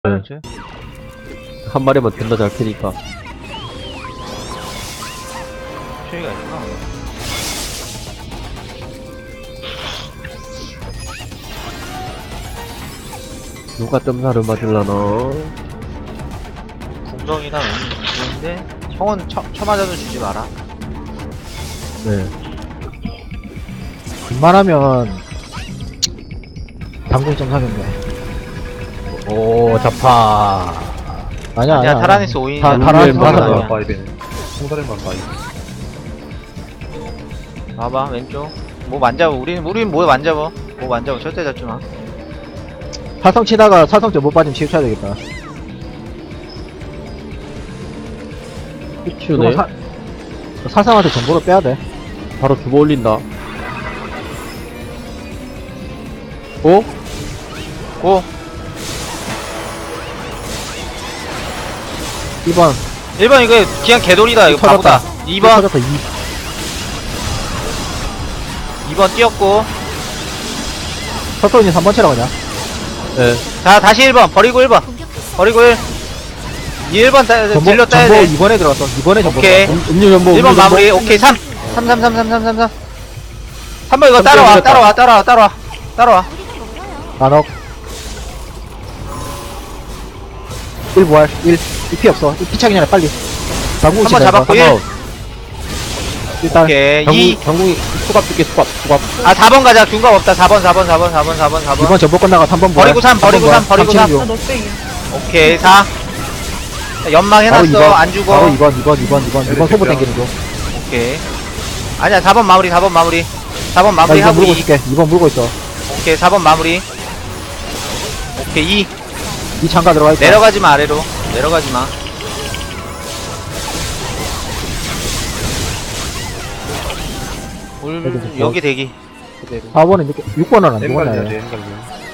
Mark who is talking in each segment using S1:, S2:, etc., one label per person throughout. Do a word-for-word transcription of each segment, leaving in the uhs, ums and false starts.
S1: 그렇지.
S2: 한 마리만 존나 잘 캐니까.
S1: 최애가 있구나.
S2: 누가 점사를 맞을라나.
S1: 궁덩이나 있는데 형은 쳐, 쳐맞아도 주지 마라.
S2: 네.
S3: 웬만하면 당구이 좀 사겠네. 오 자파. 아니야
S1: 아니야,
S3: 아니야.
S1: 타라니스 오인이야.
S3: 타- 타라니스
S1: 그건
S3: 맞아.
S1: 아니야.
S4: 봐야 되네. 통다리만 봐야
S1: 봐봐 왼쪽. 뭐 만져봐. 우리는 우리는 뭐 만져봐. 뭐 만져봐. 절대 잡지 마.
S3: 사성 치다가 사성점 못 빠지면 치우쳐야 되겠다.
S2: 후추네.
S3: 사, 사성한테 정보를 빼야 돼.
S2: 바로 주보 올린다. 어?
S1: 고.
S3: 이 번
S1: 일 번 이거 그냥 개돌이다. 이거 바보다. 이 번.
S3: 터졌다. 이.
S1: 이 번 뛰었고.
S3: 서토인이 삼 번 치라고 그냥.
S2: 네.
S1: 자 다시 일 번. 버리고 일 번. 버리고 일. 이 일 번 따,
S3: 전보,
S1: 딜러 따야
S3: 전보
S1: 돼.
S3: 이 번에 들어갔어. 이 번에 전보
S1: 오케이.
S3: 들어갔어.
S2: 음, 음료 전보.
S1: 일 번
S2: 음료
S1: 마무리.
S2: 전보.
S1: 오케이 삼. 삼, 삼, 삼, 삼, 삼, 삼, 삼. 삼 번 이거
S2: 삼
S1: 따라와.
S2: 번
S1: 따라와. 따라와. 따라와. 따라와.
S3: 만억 일 부활 일. 이 피 없어. 이 피 차기 전에 빨리. 당구
S1: 한 번 잡았고 일.
S3: 일단
S1: 오케이. 이.
S2: 장국, 장국이 수갑 줄게, 수갑, 수갑.
S1: 아 사 번 가자. 중간 없다. 사 번, 사 번, 사 번, 사 번, 사 번, 사 번.
S3: 이번 전보 끝나가 삼 번 부활.
S1: 버리고 삼, 버리고 삼, 버리고 삼.
S3: 중.
S1: 오케이 사. 자, 연막
S3: 바로 이
S1: 해놨어.
S3: 번.
S1: 안 주고.
S3: 바로 이 번, 이 번, 이 번, 이 번, 이 번 소부 땡기는 중.
S1: 오케이. 아니야 사 번 마무리. 사 번 마무리. 사 번
S3: 나
S1: 마무리
S3: 이 번
S1: 하고
S3: 물고
S1: 이.
S3: 있을게. 이 번 물고 있어.
S1: 오케이 사 번 마무리. 오케이 이.
S3: 이 창가 들어가 있어.
S1: 내려가지 마 아래로. 내려가지 마. 울
S3: 여기
S1: 여기 대기. 그대로.
S3: 사 번은 이렇게 육 번은 안
S4: 엠갈리야
S3: 죽었네.
S4: 돼, 엠갈리.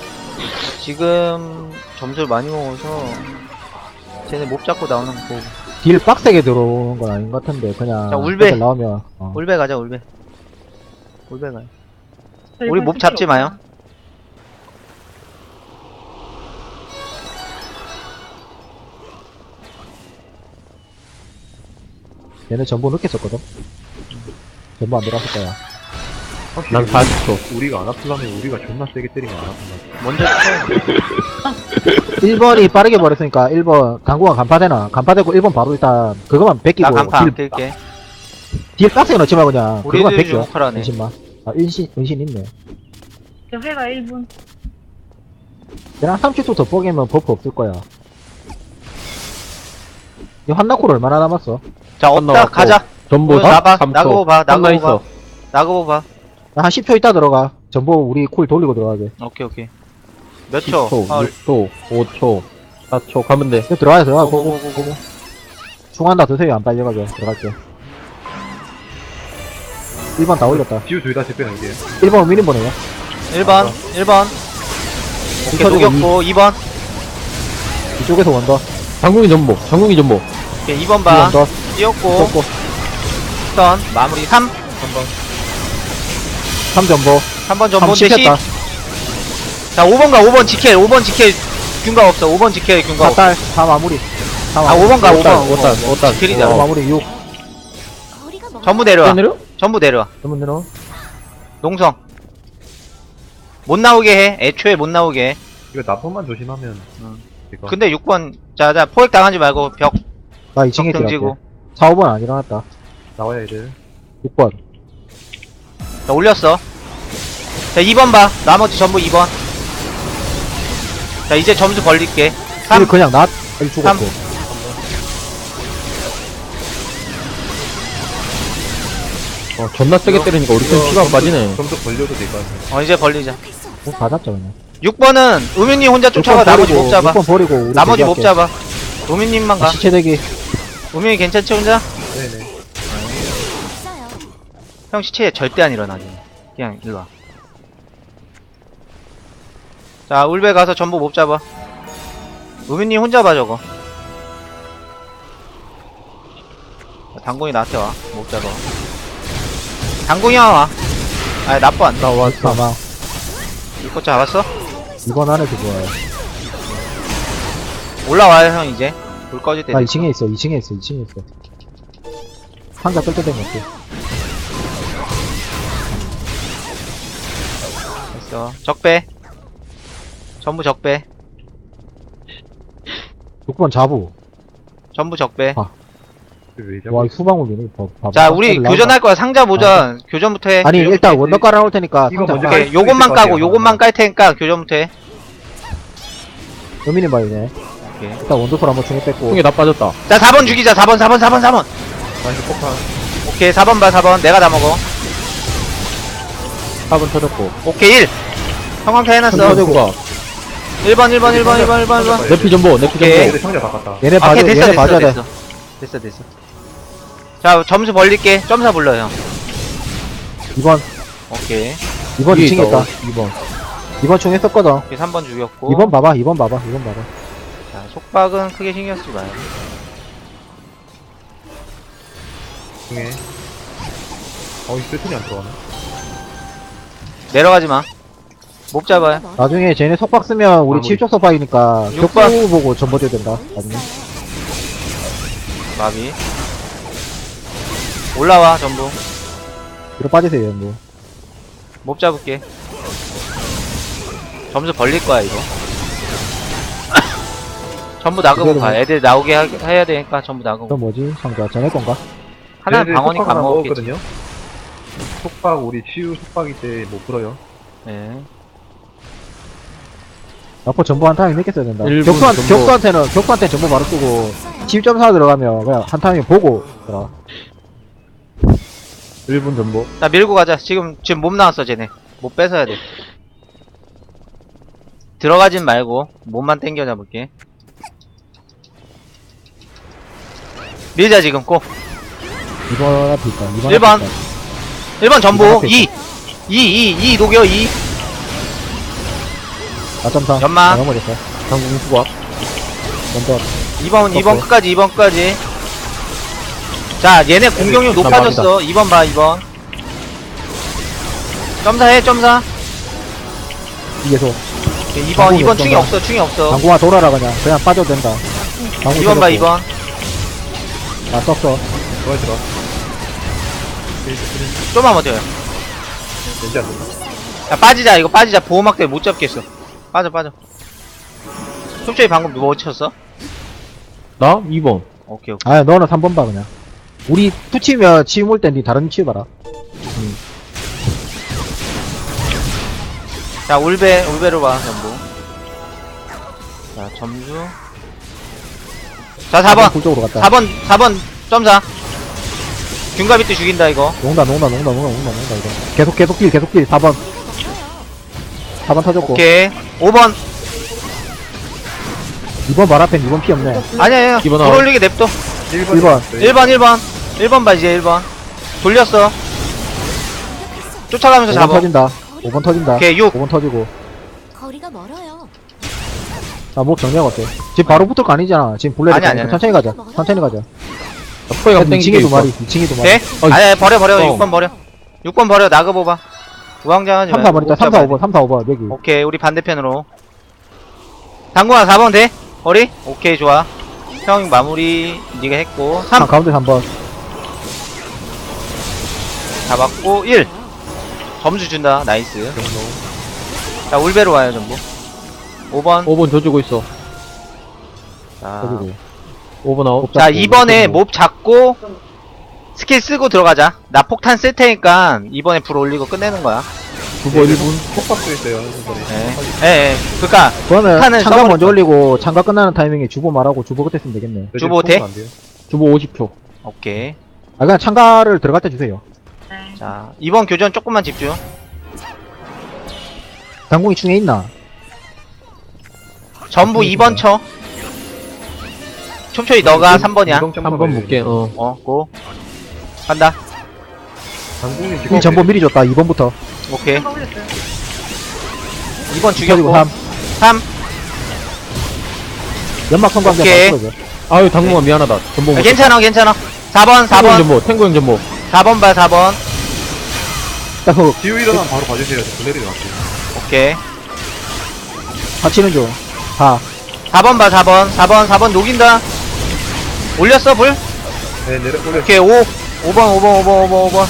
S1: 지금 점수를 많이 먹어서 쟤네 못 잡고 나오는 거 보고.
S3: 딜 빡세게 들어오는 건 아닌 것 같은데 그냥
S1: 자, 울베.
S3: 애들 나오면 어.
S1: 울베 가자 울베. 울베 가요. 우리 몹 잡지 마요.
S3: 얘네 전부 늦게 썼거든. 전부 안 들어갔을 거야.
S4: 확실히
S2: 난 사십 초.
S4: 우리가 안 아플라면 우리가 존나 세게 때리면 안 아픈다.
S1: 먼저 쳐.
S3: 일 번이 빠르게 버렸으니까 일 번 강구가 간파되나? 간파되고 일 번 바로 일단 그거만 뺏기고
S1: 나 간파 안
S3: 딜,
S1: 낄게.
S3: 딜 빡세게 넣지 말고 그냥 그거만
S1: 우리들이
S3: 뺏겨.
S1: 주목하라네.
S3: 은신만. 아 은신 은신 있네.
S5: 저 회가 일 분.
S3: 얘랑 삼십 초 더 뽀개면 버프 없을 거야. 이 한나콜 얼마나 남았어?
S1: 자 없다
S2: 끝나갔고.
S1: 가자.
S2: 전보
S1: 어, 나봐.
S2: 삼 초.
S1: 나가고 봐, 나가고
S2: 끝나 있어.
S1: 나가고 봐.
S3: 나 한 십 초 있다 들어가. 전부 우리 콜 돌리고 들어가게.
S1: 오케이 오케이. 몇
S2: 십
S1: 초?
S2: 초,
S1: 아,
S2: 육 초, 오 초, 사 초 가면 돼.
S3: 이거 들어가야 들어가.
S1: 고고,
S3: 고고고고. 중한다 드세요. 안 빨려가게. 들어갈게. 일 번 다 올렸다.
S4: 지우 둘 다 집배는 이게.
S3: 일 번 미니 보내요.
S1: 일 번 일 번. 오케이
S3: 터지고
S1: 녹였고 이 번.
S3: 이쪽에서 원더.
S2: 장국이 전보, 장국이 전보.
S1: 오케이 이 번
S3: 이
S1: 봐.
S3: 원더.
S1: 뛰었고
S3: 떴고.
S1: 턴 마무리 삼.
S3: 삼 전보.
S1: 삼 번
S3: 삼
S1: 전본대 십.
S3: 씹혔다.
S1: 자 오 번 가. 오 번 지킬. 오 번 지킬. 균가 없어. 오 번 지킬. 균가
S3: 사
S1: 없어.
S3: 딸. 다 마무리. 다
S1: 아
S3: 마무리.
S1: 오 번 가. 오 번.
S2: 오 단, 오 단.
S1: 지킬이다.
S3: 다
S2: 어.
S3: 마무리 육.
S1: 전부 내려와.
S2: 내려?
S1: 전부 내려와.
S3: 전문 내려.
S1: 농성. 못 나오게 해. 애초에 못 나오게 해.
S4: 이거 나쁜만 조심하면.
S1: 응.
S4: 이거.
S1: 근데 육 번. 자자 포획 당하지 말고 벽.
S3: 나 이 층에
S1: 벽
S3: 들어갈게.
S1: 등지고.
S3: 사, 오 번 안 일어났다.
S4: 나와야 애들.
S3: 육 번.
S1: 자 올렸어. 자 이 번 봐. 나머지 전부 이 번. 자 이제 점수 벌릴게. 삼.
S3: 일 그냥 낫. 일 죽었고.
S2: 어, 존나 세게 때리니까 우리 팀 피가 안 빠지네.
S4: 점수 벌려도 될 것 같아.
S1: 어 이제 벌리자.
S3: 뭐 다 잡자 그냥.
S1: 육 번은 우민님 혼자 쫓아가. 나머지 못 잡아.
S3: 육 번 버리고 우리
S1: 나머지 못
S3: 대기할게.
S1: 잡아. 우민님만 가.
S3: 아, 시체 대기.
S1: 우민이 괜찮지 혼자?
S4: 네네.
S1: 형 시체에 절대 안 일어나지. 그냥 일로와. 자 울베 가서 전부 못 잡아. 우민님 혼자 봐 저거. 당공이 나한테 와. 못 잡아. 당공이 형 와. 아니 나빠 안
S3: 나 왔어. 사망.
S1: 이거 잡았어?
S3: 이번 안에서 좋아요.
S1: 올라와요 형 이제. 불 꺼질 때
S3: 나
S1: 됐어.
S3: 이 층에 있어, 이 층에 있어, 이 층에 있어. 상자 뜰 때 된거 같아.
S1: 됐어. 적배. 전부 적배.
S3: 육 번 자부.
S1: 전부 적배.
S3: 아,
S4: 왜
S3: 와, 이
S4: 자꾸
S3: 후방울이네. 봐, 봐봐.
S1: 자 우리
S3: 나온다.
S1: 교전할 거야. 상자 모전. 교전부터 해.
S3: 아니, 일단
S4: 이거
S3: 원더 깔아놓을 테니까
S4: 이거
S3: 상자
S4: 먼저
S3: 까.
S1: 오케이.
S4: 깔
S1: 요것만
S4: 것
S1: 까고
S4: 같아요.
S1: 요것만 깔 테니까 교전부터 해.
S3: 의미는 봐이네.
S1: 오케이.
S3: 일단 원더풀 한번 중에 뺐고.
S2: 총에 다 빠졌다.
S1: 자 사 번 죽이자. 사 번 사 번 사 번 사 번.
S4: 다시 폭탄.
S1: 오케이 사 번 봐 사 번. 내가 다 먹어.
S2: 사 번 터졌고.
S1: 오케이 일. 형광타 해놨어.
S2: 터졌고.
S1: 일 번 일 번 일 번 일 번 일 번 일 번.
S2: 내피 전보, 내피
S1: 오케이.
S2: 전보.
S4: 얘들 상자 다 갔다.
S3: 얘네
S1: 아,
S3: 봐줘,
S1: 오케이 됐어
S3: 얘네
S1: 됐어
S3: 봐줘야 돼.
S1: 됐어. 됐어 됐어. 자 점수 벌릴게. 점사 불러요.
S3: 이 번,
S1: 오케이.
S3: 이 번
S2: 위에
S3: 이 층에 있다.
S2: 이 번.
S3: 이 번 중에 썼거든.
S1: 오케이 삼 번 죽였고.
S3: 이 번 봐봐, 이 번 봐봐, 이 번 봐봐.
S1: 자 속박은 크게 신경 쓰지 마요.
S4: 중에. 어이 패턴이 안 들어가네.
S1: 내려가지 마. 못 잡아요.
S3: 나중에 쟤네 속박 쓰면 우리
S4: 마무리.
S3: 칠쪽 속박이니까
S1: 육 번.
S3: 격수 보고 전버줘야 된다. 나중에.
S1: 마비. 올라와 전부.
S3: 뒤로 빠지세요, 뭐.
S1: 못 잡을게. 점수 벌릴 거야 이거. 전부 나가고
S3: 그대로
S1: 가. 애들 나오게 하, 해야 되니까 전부 나가고.
S3: 그럼 뭐지? 상자 전에 건가?
S1: 하나는
S4: 얘네들
S1: 방어니까
S4: 속박
S1: 안
S4: 하나
S1: 먹었겠지.
S4: 먹었거든요. 속박 우리 치유 속박이 때 못 풀어요.
S1: 네.
S3: 앞으로 전부 한 타임 몇개 써야 된다.
S2: 일 분
S3: 격수한,
S2: 전부.
S3: 격수한테는, 격수한테 전부 바로 쓰고, 칠 점 사 들어가면 그냥 한 타임 보고, 들어.
S2: 일 분 전보.
S1: 자 밀고 가자. 지금 지금 몸 나왔어 쟤네. 못 뺏어야 돼. 들어가진 말고 몸만 당겨 잡을게. 밀자 지금 꼭.
S3: 이 번 앞에 있다. 이 번.
S1: 일 번.
S3: 앞에 있다.
S1: 일 번 전부
S3: 앞에
S1: 이. 이, 이, 이 녹여 이.
S3: 사 점 사.
S1: 연마.
S3: 넘어졌어.
S2: 당공 수박.
S3: 먼저.
S1: 이 번, 이 번
S3: 오케이.
S1: 끝까지, 이 번 끝까지. 자, 얘네 공격력
S2: 일단
S1: 높아졌어. 이 번 봐, 이 번. 점사해, 점사.
S3: 이게서.
S1: 이 번, 이 번
S3: 당구는
S1: 충이
S3: 점사.
S1: 없어, 충이 없어.
S3: 당구가 돌아라, 그냥. 그냥 빠져도 된다. 당구
S1: 이 번 봐,
S3: 쳐놓고.
S1: 이 번.
S3: 아, 썼어.
S4: 들어와 들어.
S1: 좀만 버텨요.
S4: 왠지 안 된다.
S1: 야, 빠지자, 이거 빠지자. 보호막 때문에 못 잡겠어. 빠져, 빠져. 톱초이 방금 뭐 쳤어?
S2: 나? 이 번.
S1: 오케이, 오케이.
S3: 아, 너는 삼 번 봐, 그냥. 우리 투치면 치유 몰 땐니 다른 치유 봐라.
S1: 자, 울베, 울베로 봐, 전부. 자, 점수. 자, 사 번.
S3: 쪽으로 갔다.
S1: 사 번, 사 번, 점사. 균가비트 죽인다, 이거.
S3: 농다, 농다, 농다, 농다, 농다, 농다, 이거. 계속, 계속 길, 계속 길. 사 번. 사 번 터졌고.
S1: 오케이. 오 번.
S3: 이 번 말 앞엔 이 번 피 없네.
S1: 아니야, 아니야.
S2: 기본
S1: 돌
S2: 아웃.
S1: 올리게 냅둬.
S4: 일
S3: 일
S4: 번.
S3: 번.
S1: 일 번, 일 번. 일 번 봐, 이제 일 번. 돌렸어. 쫓아가면서
S3: 오 번
S1: 잡아.
S3: 터진다. 오 번 터진다.
S1: 오케이, 육.
S3: 오 번 터지고.
S6: 거리가 멀어요.
S3: 아, 목 정리하고 어때? 지금 바로 붙을 거 아니잖아. 지금 블레드
S1: 아니, 아니, 아니.
S3: 천천히 가자. 천천히 가자.
S2: 포에가
S3: 이 층에 두 마리, 이 층에 두 마리.
S1: 돼?
S2: 어이.
S1: 아니, 아니, 버려, 버려.
S2: 어.
S1: 육 번 버려. 육 번 버려. 나가봐봐. 우왕좌왕하지
S3: 삼,
S1: 말고
S3: 사 번 있다.
S1: 못
S3: 삼, 사,
S1: 잡아야
S3: 오 번,
S1: 돼.
S3: 삼, 사, 오 번, 여기.
S1: 오케이, 우리 반대편으로. 당구야, 사 번 돼? 거리? 오케이, 좋아. 형 마무리 니가 했고.
S3: 삼,
S1: 삼
S3: 가운데 삼 번.
S1: 잡았고. 일. 점수 준다. 나이스. 자, 울베로 와요, 전부. 오 번.
S2: 오 번 져주고 있어.
S1: 자,
S3: 터지고.
S2: 오 번 아웃.
S1: 자, 이번에 몹 잡고 스킬 쓰고 들어가자. 나 폭탄 쓸 테니까 이번에 불 올리고 끝내는 거야.
S2: 주보 일 분.
S4: 속박도 있어요. 이번에.
S1: 예. 예, 예. 그니까
S3: 그러면
S1: 탄을
S3: 창가
S1: 써버렸어.
S3: 먼저 올리고 창가 끝나는 타이밍에 주보 말하고 주보 그때 쓰면 되겠네.
S4: 요즘
S1: 주보 돼?
S4: 속박 안 돼요.
S2: 주보 오십 초.
S1: 오케이.
S3: 아, 그냥 창가를 들어갈 때 주세요.
S1: 자, 이번 교전 조금만 집중.
S3: 당공이 중에 있나?
S1: 전부 이 번 쳐. 촘촘히 너가 삼 번이야.
S4: 이동 점프
S2: 한 번
S4: 봐야
S2: 볼게.
S4: 돼요.
S2: 어.
S1: 어, 고. 간다.
S4: 당국님 지금
S3: 이 전보 미리 줬다. 이 번부터.
S1: 오케이.
S5: 가 올렸어요.
S1: 이 번
S3: 터지고
S1: 죽였고.
S3: 삼.
S1: 삼.
S3: 연막 성광대
S1: 오케이.
S3: 바로 풀어줘.
S2: 아유, 당공아 미안하다. 전보
S1: 아,
S2: 못.
S1: 괜찮아, 괜찮아. 사 번, 사
S2: 탱고 형
S1: 번.
S2: 전보. 탱고 형 전보.
S1: 사 번 봐, 사 번.
S3: 딱 그,
S4: 지우 일어나면 바로 봐주세요. 블레리 나왔어요.
S1: 오케이.
S3: 다 치는 중. 사.
S1: 사 번 봐, 사 번. 사 번, 사 번 녹인다. 올렸어, 불?
S4: 네, 내려, 올려.
S1: 오케이, 오. 오 번, 오 번, 오 번, 오 번, 오 번.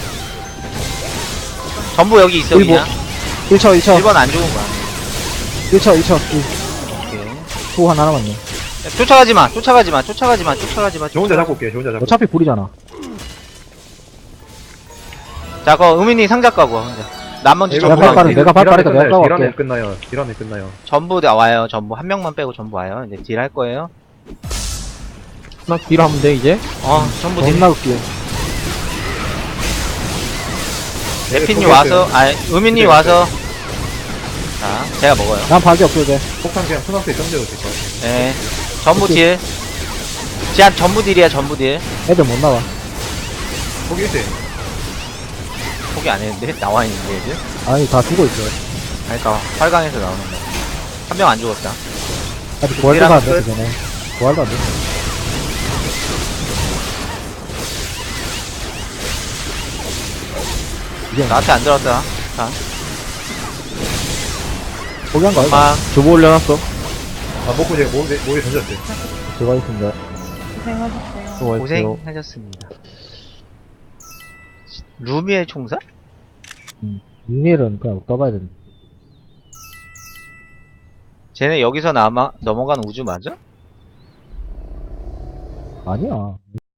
S1: 전부 여기 있어,
S3: 일본.
S1: 그냥.
S3: 일 초, 일 초.
S1: 일 번 안 죽은 거야.
S3: 일 초, 일 초.
S1: 오케이.
S3: 후 하나 남았네.
S1: 야, 쫓아가지 마, 쫓아가지 마, 쫓아가지 마, 쫓아가지 마.
S4: 저 혼자 잡고 올게요, 저 혼자 잡고.
S3: 어차피 불이잖아.
S1: 자, 그 의민이 상자 까고 혼자. 나머지
S4: 이거
S1: 전부
S3: 내가
S1: 다
S3: 빨리,
S1: 이제
S3: 내가 빨리
S4: 딜안에
S3: 내가
S4: 끝나요,
S3: 까고
S4: 딜안에
S3: 갈게.
S4: 끝나요, 딜안에 끝나요.
S1: 전부 다 와요. 전부 한 명만 빼고 전부 와요. 이제 딜 할 거예요.
S2: 나 딜하면 돼, 이제?
S1: 어, 전부 딜.
S3: 존나 웃겨.
S1: 레피님
S4: 네,
S1: 와서, 아, 의민님
S4: 네,
S1: 와서. 자, 제가 먹어요.
S3: 난 박이 없어, 이제.
S4: 폭탄 그냥 초등학생에 던져도 될것 같아요.
S1: 네. 전부 딜. 제한 전부 딜이야, 전부 딜.
S3: 애들 못 나와.
S4: 포기했지?
S1: 포기 안 했는데? 나와 있는데, 이제?
S3: 아니, 다 죽어 있어.
S1: 그러니까, 활강에서 나오는 거. 한 명 안 죽었다.
S3: 아직 부활도 안
S1: 끝.
S3: 됐어, 쟤네. 부활도 안 됐어. 이게
S1: 나한테 안 들었다. 자,
S3: 포기한 거 아니야?
S1: 막,
S2: 주보 올려놨어.
S4: 아, 먹고 제가 모에, 모에 던졌어요.
S3: 들어가 있습니다.
S5: 고생하셨어요.
S2: 수고했어요.
S1: 고생하셨습니다. 루미의 총사?
S3: 이일은 그냥 떠봐야 되는데.
S1: 쟤네 여기서 남아, 넘어간 우주 맞아?
S3: 아니야.